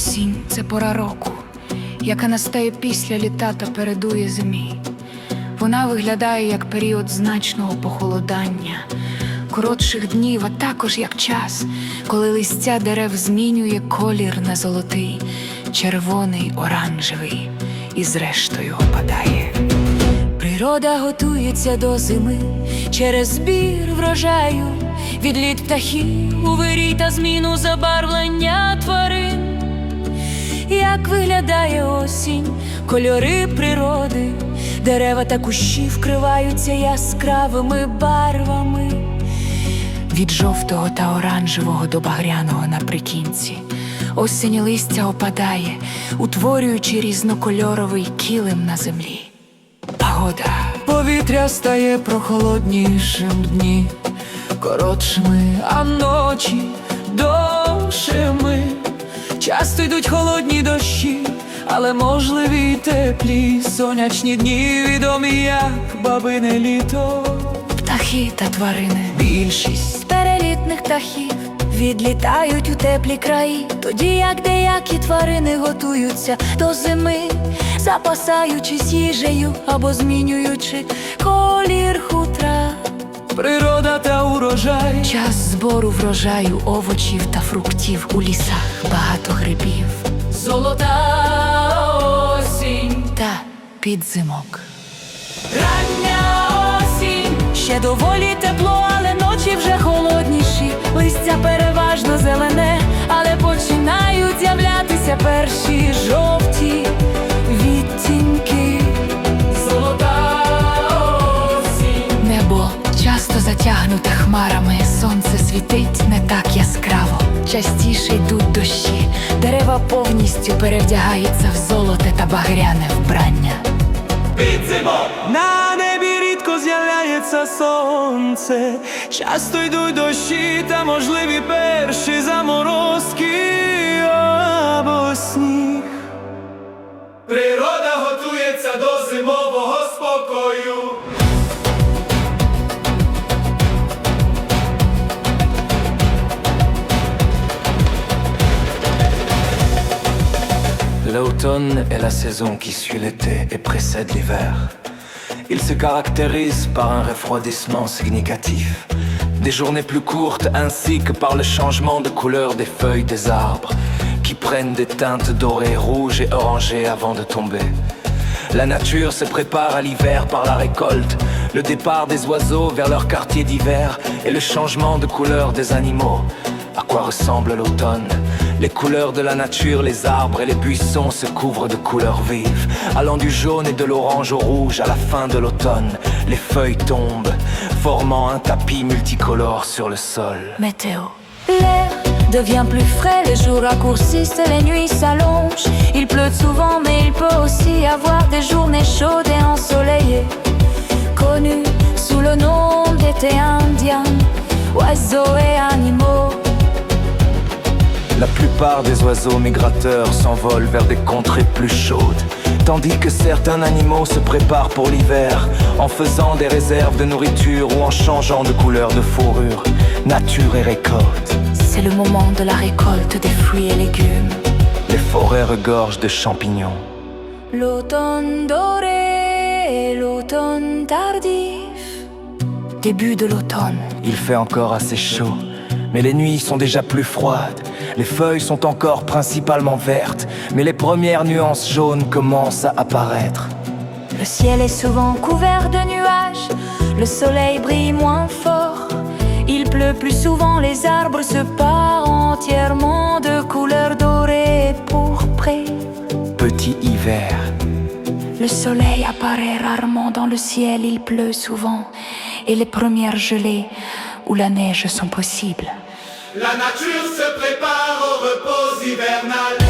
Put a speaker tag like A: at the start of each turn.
A: Осінь – це пора року, яка настає після літа та передує зимі. Вона виглядає як період значного похолодання, коротших днів, а також як час, коли листя дерев змінює колір на золотий, червоний, оранжевий і зрештою опадає. Природа готується до зими через збір врожаю, відліт птахів у вирій та зміну забарвлення тварин. Як виглядає осінь, кольори природи, дерева та кущі вкриваються яскравими барвами. Від жовтого та оранжевого до багряного наприкінці осінь листя опадає, утворюючи різнокольоровий килим на землі. Погода. Повітря стає прохолоднішим, дні коротшими, а ночі довшими. Часто йдуть холодні дощі, але можливі й теплі сонячні дні, відомі як бабине літо. Птахи та тварини. Більшість перелітних птахів відлітають у теплі краї, тоді як деякі тварини готуються до зими, запасаючись їжею або змінюючи колір хутра. Природа та урожай. Час збору врожаю овочів та фруктів, у лісах багато грибів. Золота осінь та підзимок. Рання осінь. Ще доволі тепло, але ночі вже холодніші. Листя переважно зелене, але починають з'являтися перші жовті відтінки. Золота осінь. Небо часто затягнуте хмарами, сонце світить не так яскраво. Частіше йдуть дощі, дерева повністю перевдягаються в золоте та багряне вбрання.
B: Підзимок! На небі рідко з'являється сонце, часто йдуть дощі та можливі перші заморозки або сніг. Природа готується до зимового спокою.
C: L'automne est la saison qui suit l'été et précède l'hiver. Il se caractérise par un refroidissement significatif, des journées plus courtes ainsi que par le changement de couleur des feuilles des arbres, qui prennent des teintes dorées, rouges et orangées avant de tomber. La nature se prépare à l'hiver par la récolte, le départ des oiseaux vers leur quartier d'hiver et le changement de couleur des animaux. À quoi ressemble l'automne? Les couleurs de la nature, les arbres et les buissons se couvrent de couleurs vives, allant du jaune et de l'orange au rouge à la fin de l'automne. Les feuilles tombent, formant un tapis multicolore sur le sol.
A: Météo. L'air devient plus frais, les jours raccourcissent et les nuits s'allongent. Il pleut souvent, mais il peut aussi avoir des journées chaudes et ensoleillées, connues sous le nom d'été indien, oiseaux et animaux.
C: La plupart des oiseaux migrateurs s'envolent vers des contrées plus chaudes, tandis que certains animaux se préparent pour l'hiver en faisant des réserves de nourriture ou en changeant de couleur de fourrure. Nature et récolte.
A: C'est le moment de la récolte des fruits et légumes.
C: Les forêts regorgent de champignons.
A: L'automne doré et l'automne tardif. Début de l'automne.
C: Il fait encore assez chaud, mais les nuits sont déjà plus froides. Les feuilles sont encore principalement vertes, mais les premières nuances jaunes commencent à apparaître.
A: Le ciel est souvent couvert de nuages, le soleil brille moins fort. Il pleut plus souvent, les arbres se parent entièrement de couleur dorée et pourprée.
C: Petit hiver.
A: Le soleil apparaît rarement dans le ciel, il pleut souvent, et les premières gelées ou la neige sont possibles.
B: La nature se prépare au repos hivernal.